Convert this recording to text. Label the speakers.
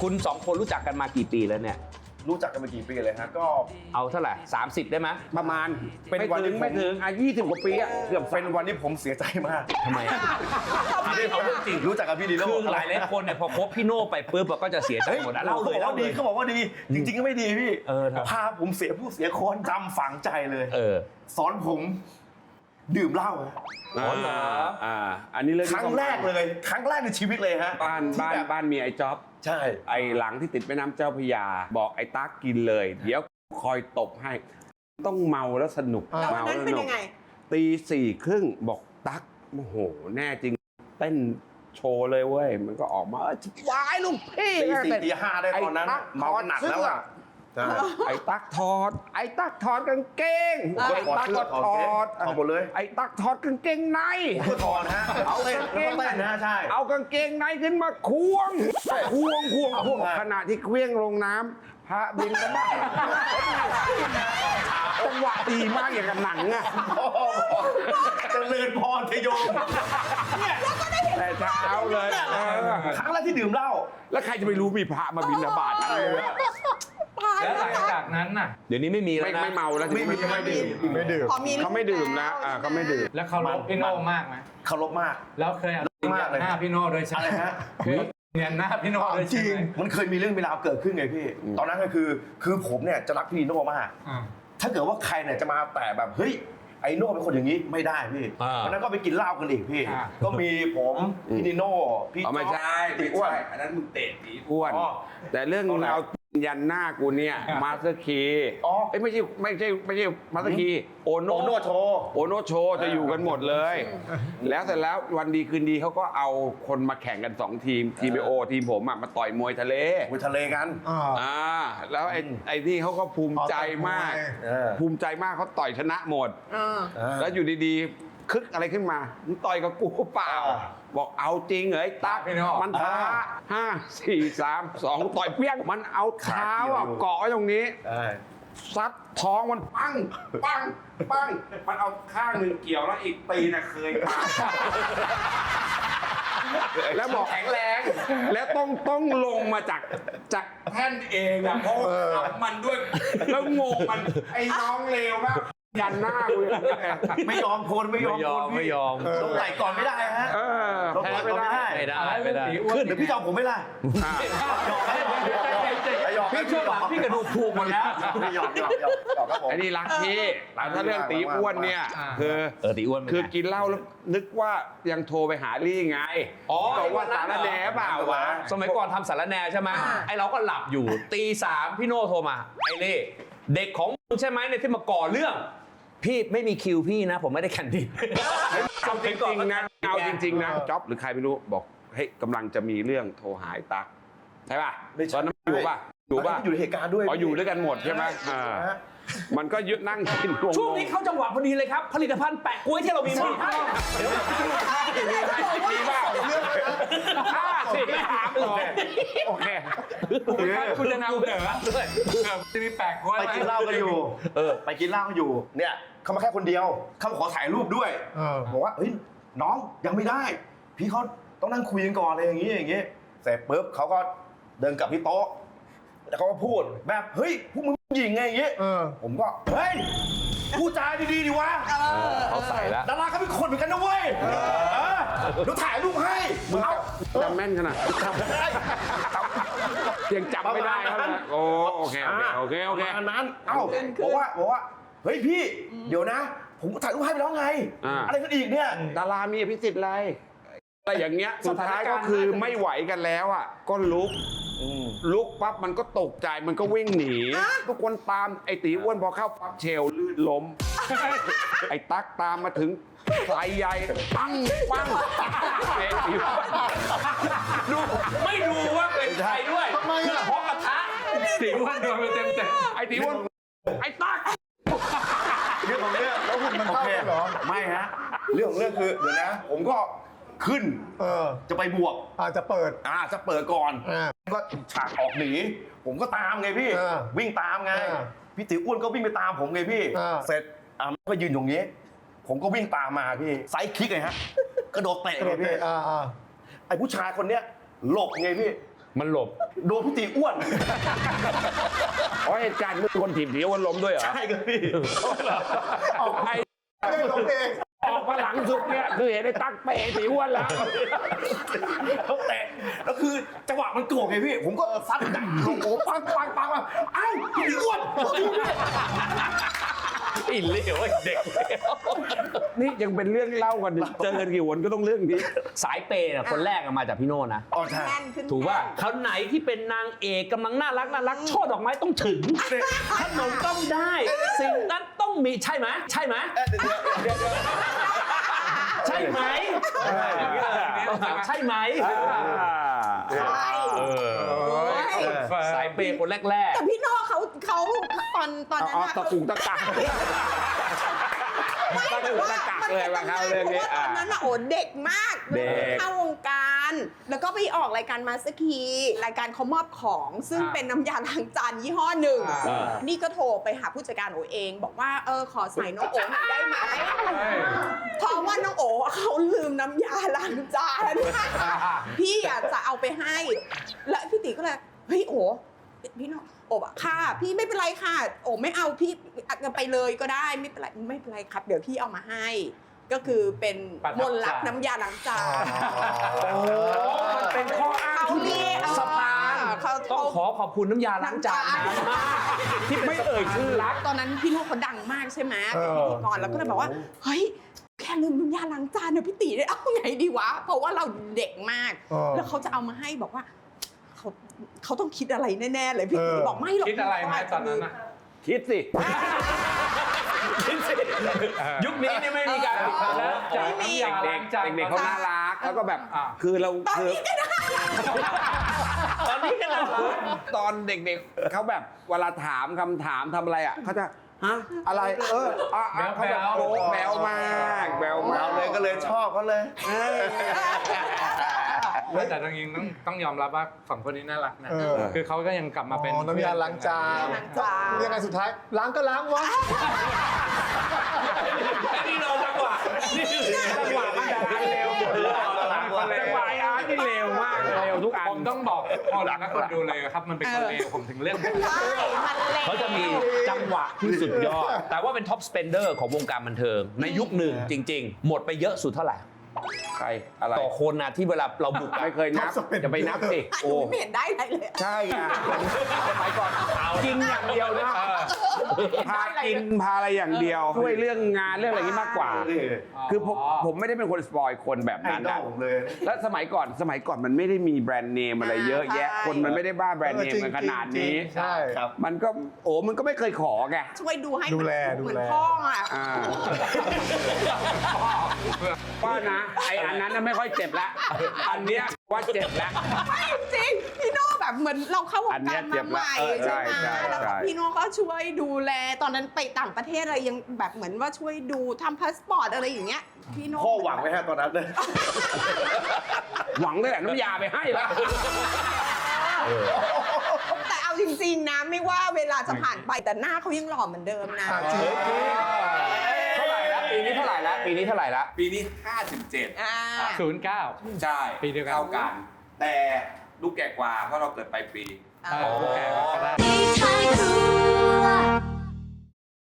Speaker 1: คุณสองคนรู้จักกันมากี่ปีแล้วเนี่ย
Speaker 2: รู้จักกันมากี่ปีเลยฮะก็
Speaker 1: เอาเท่าไหร่30ได้ไหม
Speaker 3: ประมาณ
Speaker 2: เป็นวันที่
Speaker 3: ไม่ถึง20 กว่าปีอะเกือบ
Speaker 2: เป็นวันที่ผมเสียใจมาก
Speaker 1: ทำไมอ่ะ
Speaker 2: ที่เขาจริงรู้จักกับพี่ดีโน่
Speaker 1: คือหลายคนเนี่ยพอคบพี่โน่ไปปุ๊บก็จะเสียใจหมดนะเล่าเลยเล่าเลย
Speaker 2: เขาบอกว่าดีจริงๆก็ไม่ดีพี่
Speaker 1: ครับ
Speaker 2: พาผมเสียผู้เสียคนจำฝังใจเลยสอนผมดื่มเหล้า
Speaker 1: อ๋อเหรอ
Speaker 3: อันนี้เรื่อง
Speaker 2: ครั้งแรกเลยครั้งแรกในชีวิตเลยฮะ
Speaker 3: บ้านมีไอ้จ๊อบ
Speaker 2: ใช่
Speaker 3: ไอ้หลังที่ติดแม่น้ำเจ้าพระยาบอกไอ้ตั๊กกินเลย เดี๋ยวคอยตบให้ต้องเมาแล้วสนุก
Speaker 4: แล้ววันนั้นเป็นยังไง
Speaker 3: ตี 4:30บอกตั๊กโอ้โหแน่จริงเต้นโชว์เลยเว้ยมันก็ออกมาวายลูกพี่
Speaker 2: ตี 4 ตี 5ได้ตอนนั้นเมาหนักแล้วอ่ะ
Speaker 3: ไอ้ตั๊กถอดกางเกงไอ้ตั๊กก็ถอด
Speaker 2: หมดเลย
Speaker 3: ไอ้ตั๊กถอดกางเกงใน
Speaker 2: ถอดฮะเอากางเกงในนะใช่
Speaker 3: เอากางเกงในขึ้นมาควงขณะที่เคลี้ยงลงน้ำพระบินก็บ้าจังหวะดีมากอย่างกับหนังอะ
Speaker 2: เจริญพรเทโยม
Speaker 3: แต่เช้าเลย
Speaker 2: ครั้งแรกที่ดื่มเหล้า
Speaker 3: แล้วใครจะไปรู้มีพระมาบิณฑบาต
Speaker 1: แล้วหลังจากนั้นน่ะเดี๋ยวนี้ไม่มีแล้วนะ
Speaker 3: ไม่เมาแล้ว
Speaker 2: ไม่ดื่ม
Speaker 3: เขาไม่ดื่มนะเขาไม่ดื่ม
Speaker 1: แล้วเขาลบพี่โน่มากไหม
Speaker 2: เคารพมาก
Speaker 1: แล้วเคยเอาหน้าพี่โน่โดยใช่ไหม
Speaker 2: ฮะ
Speaker 1: เนี่ยหน้าพี่โน่โดย
Speaker 2: จริงมันเคยมีเรื่องมีราวเกิดขึ้นไงพี่ตอนนั้นก็คือผมเนี่ยจะรักพี่โน่มากถ้าเกิดว่าใครเนี่ยจะมาแต่แบบเฮ้ยไอโน่เป็นคนอย่างนี้ไม่ได้พี่วันนั้นก็ไปกินเหล้ากันอีกพี่ก็มีผมพี่นิโน่พี่
Speaker 3: ไม่ใช่ตีอ้วนอันนั้นมึงเตะตีอ้วนแต่เรื่องเรายันหน้ากูเนี่ยมาสเตอร์คีไม่ใช่มาสเตอร์คีโอโนโชจะอยู่กันหมดเลยแล้วเสร็จแล้ววันดีคืนดีเขาก็เอาคนมาแข่งกัน2ทีมโอทีมผมมาต่อยมวยทะเล
Speaker 2: กัน
Speaker 3: แล้วไอ้นี่เขาก็ภูมิใจมากเขาต่อยชนะหมดแล้วอยู่ดีๆคึกอะไรขึ้นมามึงต่อยกับกูเปล่าบอกเอาจริงเหรอไอ้ตั๊กมันท้า5 4 3 2ต่อยเปี้ยงมันเอาเท้าเกาะไว้ตรงนี้ซัดท้องมันปังมันเอาข้างหนึ่งเกี่ยวแล้วอีกตีน่ะเคยมาแล้วบอกแข็งแรงแล้วต้องลงมาจากแท่นเองอะเพราะมันด้วยแล้วงงมันไอ้น้องเลวมากยันหน้ากู
Speaker 2: ไม่ยอมต้องไหลก่อนไม่ได้ฮะ
Speaker 1: แพ้ไม่ได้
Speaker 2: ขึ้นเดี๋ยวพี่จอมผมไม่ได้
Speaker 1: พี่ช่วงหลังพี่กระดูกพูหมดแล้ว
Speaker 2: หยอกครับผม
Speaker 3: ไอ้นี่รักพี่ถ้าเรื่องตีอ้วนเนี่ย
Speaker 1: ตีอ้วน
Speaker 3: คือกินเหล้าแล้วนึกว่ายังโทรไปหาลี่ไงบอกว่าสารแหน่เปล่าวะ
Speaker 1: สมัยก่อนทำสารแหน่ใช่ไหมไอ้เราก็หลับอยู่ตี 3พี่โน่โทรมาไอ้ลี่เด็กของมึงใช่ไหมเนี่ยที่มาก่อเรื่องพี่ไม่มีคิวพี่นะผมไม่ได้แข่งดิน
Speaker 3: เอาจริงๆนะจ๊อบหรือใครไม่รู้บอกเฮ้ยกำลังจะมีเรื่องโทรหาตั๊กใช่ป่ะตอนนั้นอยู่ป่ะ
Speaker 2: อยู่ในเหตุการณ์ด้วย
Speaker 3: อยู่ด้วยกันหมดใช่ไหมมันก็ยึดนั่งกิน
Speaker 1: ช่วงนี้เข้าจังหวะพอดีเลยครับผลิตภัณฑ์แปะกล้วยที่เรามีมา
Speaker 3: ดีป่ะโอเค
Speaker 1: คุณจะนำเหนือด้วยจะมีแปะกล้วย
Speaker 2: ไปกินเหล้ากันอยู่ไปกินเหล้ากันอยู่เนี่ยเขามาแค่คนเดียวเขาขอถ่ายรูปด้วยบอกว่าเฮ้ยน้องยังไม่ได้พี่เขาต้องนั่งคุยกันก่อนอะไรอย่างงี้เสร็จปุ๊บเขาก็เดินกลับที่โต๊ะแล้วเขาก็พูดแบบเฮ้ยพวกมึงหญิงไงอย่างงี้ผมก็เฮ้ยพูดจาดีๆดิวะ
Speaker 1: เขาใส่แล้ว
Speaker 2: ดาราเขาเป็นคนเหมือนกันนะเว้ยเดี๋ยวถ่ายรูปให้
Speaker 3: มึงจำแม่นขนาดยังจำไม่ได้ครับโอเค
Speaker 2: อันนั้นบอกว่าเฮ้ยพี่เดี๋ยวนะผมถ่ายรูปให้ไปแล้วไงอะไรกันอีกเนี่ย
Speaker 3: ดารามีอภิสิทธิ์อะไรอย่างเงี้ยสุดท้ายก็คือไม่ไหวกันแล้วอ่ะก็ลุกปั๊บมันก็ตกใจมันก็วิ่งหนีทุกคนตามไอ้ตีอ้วนพอเข้าปั๊บเชลลื่นล้มไอ้ตั๊กตามมาถึงสายใหญ่ปัง
Speaker 1: ดูไม่ดูว่าเป็นใครด้วยเพราะกระทะตีอ้วนโดนไปเต็ม
Speaker 3: ไอ้ตีอ้วนไอ้ตั๊ก
Speaker 2: เรื่องของเรื่องแล้วคุณมันเข้าเหรอไม่ฮะเรื่องของเรื่องคือเดี๋ยวนะผมก็ขึ้นจะไปบวก
Speaker 5: จะเปิด
Speaker 2: ก่อนก็ฉากออกหนีผมก็ตามไงพี่วิ่งตามไงพี่ติ๋วอ้วนก็วิ่งไปตามผมไงพี่เสร็จก็ยืนอยู่นี้ผมก็วิ่งตามมาพี่ไซด์คิกไงฮะกระโดดเตะไงพี่ไอ้ผู้ชายคนเนี้ยหลบไงพี่
Speaker 1: มันหลบ
Speaker 2: โดนพี่ตีอ้วน
Speaker 3: อ๋อเหตุการณ์มึงคนถีบถีวันล้มด้วยเหรอ
Speaker 2: ใช่ครับพี่
Speaker 3: ออกไป
Speaker 2: ไม่ล้มเอง
Speaker 3: ออกมาหลังสุดเนี่ยคือเห็นไอ้ตั๊กเป๋ถีอ้วนแล้ว
Speaker 2: เขาแตะแล้วคือจังหวะมันโกรธไงพี่ ผมก็ซัดดักโอ้โหปังอ้าวพี่ตีอ้วน
Speaker 1: อินเลวไอ้เด็กเลว
Speaker 3: นี่ยังเป็นเรื่องเล่ากันเจอกันกี่วันก็ต้องเรื่องนี้
Speaker 1: สายเปย์น่ะคนแรกมาจากพี่โน่นะ
Speaker 2: อ๋อใช่
Speaker 4: แน่นขึ้น
Speaker 1: ถูกว่าเขาไหนที่เป็นนางเอกกำลังน่ารักช่อดอกไม้ต้องถึงขนมต้องได้ สิ่งนั้นต้องมีใช่ไหมใช่ไหมใช่ไหมใช่ไหม
Speaker 4: ใช่
Speaker 1: สายเปย์คนแรก
Speaker 4: แต่พี่โน่เขาตอนนั้น
Speaker 3: อ๋อ
Speaker 4: อะ
Speaker 3: ตะกุกตะกัก
Speaker 4: ไม่แต่ว่า
Speaker 3: ตะกักเลยว่าเขาเรื่องนี้
Speaker 4: พาะว่าตอนนั้นอะโอ้เด็กมาก
Speaker 3: เด็ก
Speaker 4: เข้าวงการ แล้วก็ไปออกรายการมาสเตอร์คีรายการเขามอบของซึ่งเป็นน้ำยาล้างจานยี่ห้อหนึ่ง นี่ก็โทรไปหาผู้จัดการโอเอง บอกว่าขอใส่น้องโอหน่อยได้ไหมเพราะว่าน้องโอเขาลืมน้ำยาล้างจานพี่อยากจะเอาไปให้ แล้วพี่ตีก็เลยเฮ้ยโอพี่น้องโอบอะค่ะพี่ไม่เป็นไรค่ะโอไม่เอาพี่ไปเลยก็ได้ไม่เป็นไรครับ เดี๋ยวพี่เอามาให้ ก็คือเป็นมนต์รักน้ำยาล้างจาน
Speaker 1: มันเป็นข้ออ้างที่
Speaker 4: เขาเรียก
Speaker 1: สะพาน
Speaker 4: เขา
Speaker 1: ต้องขอขอบคุณน้ำยาล้างจานนะที่ไม่เอ่ยชื่อรัก
Speaker 4: ตอนนั้นพี่โน่เขาดังมากใช่ไหมเป็นพิธีกรแล้วก็เลยบอกว่าเฮ้ยแค่ลืมน้ำยาล้างจานเนี่ยพี่ตีได้เอาไงดีวะเพราะว่าเราเด็กมาก แล้วเขาจะเอามาให้บอกว่าเขาต้องคิดอะไรแน่ๆเลยพี่ตีบอกไม่หรอก
Speaker 5: คิดอะไรไหมตอนนั้นน่ะ
Speaker 3: คิดสิ
Speaker 1: ยุคนี้นี่ไม่มีการปิดแล้ว
Speaker 5: จากน้ำยาล้างจาน
Speaker 3: เด็กๆเขาน่ารักแล้วก็แบบ
Speaker 5: อ่า
Speaker 3: คือเรา
Speaker 4: ตอน
Speaker 3: คือ
Speaker 4: นี้ก็ได้
Speaker 1: ตอนนี้กันแล้ว
Speaker 3: ตอนเด็กๆเขาแบบเวลาถามคำถามทำอะไรอ่ะเขาจะฮะอะไรเขาแบบโอ้แบวมากแบวมาก
Speaker 2: เราเลยก็เลยชอบเขาเลย
Speaker 5: แต่จริงๆต้องยอมรับว่าสองคนนี้น่ารักนะ คือเขาก็ยังกลับมาเป็น
Speaker 6: น้ำยาล้างจาน
Speaker 4: ล้างจาน
Speaker 6: ยังไงสุดท้ายล้างก็ล้างวะ
Speaker 1: นี่เราจังหวะนี่จังหวะมันจะล้างเร็ว
Speaker 3: จังหวะอาร์ตนี่เร็วมากเลยเร็วทุกอัน
Speaker 5: ผมต้องบอกพอหลังนักคนดูเลยครับ มันเป็นคนเลวผมถึงเรื่อง
Speaker 4: ใช่มันเละ
Speaker 1: เขาจะมีจังหวะที่สุดยอด แต่ว่าเป็นท็อปสเปนเดอร์ของวงการบันเทิง ในยุคหนึ่งจริง ๆ หมดไปเยอะสุดเท่าไหร่
Speaker 3: ใครอะไร
Speaker 1: ต่อคนนะที่เวลาเราบุก
Speaker 3: ไม่เคยนับจะไปนับสิ
Speaker 4: ห
Speaker 3: โอ้
Speaker 4: นูไม่เห็นได้อะไรเลย
Speaker 3: ใช่ไงไปก่อนกินอย่างเดียวนะพากินพาอะไรอย่างเดียวช่วยเรื่องงานเรื่องอะไรนี้มากกว่า คือผมไม่ได้เป็นคนสปอยคนแบบ
Speaker 2: ไอ้
Speaker 3: นั้น
Speaker 2: ดอ
Speaker 3: นะ
Speaker 2: ลผมเลย
Speaker 3: แล้วสมัยก่อนมันไม่ได้มีแบรนด์เนมอะไรเยอะแยะ
Speaker 4: ใช่
Speaker 3: คนมันไม่ได้บ้าแบรนด์เนมกันขนาดนี้
Speaker 6: ใช่
Speaker 2: ครับ
Speaker 3: มันก็มันก็ไม่เคยขอไง
Speaker 4: ช่วยดูให้
Speaker 6: ดูแล
Speaker 4: เหมือน
Speaker 6: ดูแล
Speaker 4: พ่ออ่ะ
Speaker 3: ว่านะไออันนั้นน่ะไม่ค่อยเจ็บละอันเนี้ยว่าเจ็บละ
Speaker 4: ไม่จริงพี่โน่แบบเหมือนเราเข้าวง
Speaker 3: อันเนี้
Speaker 4: กาย ร
Speaker 3: เจ็
Speaker 4: มา
Speaker 3: บ
Speaker 4: ให
Speaker 3: ละ
Speaker 4: ม่
Speaker 3: ใช่
Speaker 4: ใช่ไหม
Speaker 3: ใช่
Speaker 4: แล้ว
Speaker 3: ใช่
Speaker 4: พี่โน่ก็ช่วยดูแลตอนนั้นไปต่างประเทศอะไรยังแบบเหมือนว่าช่วยดูทำพาสปอร์ตอะไรอย่างเงี้ยพี่โน่
Speaker 2: พ่อหวังไว้ฮะตอนนั้นเลย
Speaker 3: หวังได้แหละน้ำยาไปให้ละ
Speaker 4: แต่เอาจริงๆนะไม่ว่าเวลาจะผ่านไปแต่หน้าเขายังหล่อเหมือนเดิมนะ
Speaker 6: จริง
Speaker 1: เท่าไหร่ละปีนี้เท่าไหร่ละปีนี้เท่าไหร่ละ
Speaker 3: ปีนี้ 57
Speaker 4: อ่า
Speaker 5: 09
Speaker 3: ใช่
Speaker 5: ปีเดียวกัน
Speaker 3: เท่ากัน แต่ลูกแก่กว่าเพราะเราเกิดปลายปี
Speaker 5: โอเคก็ได้
Speaker 7: ในท้ายครัว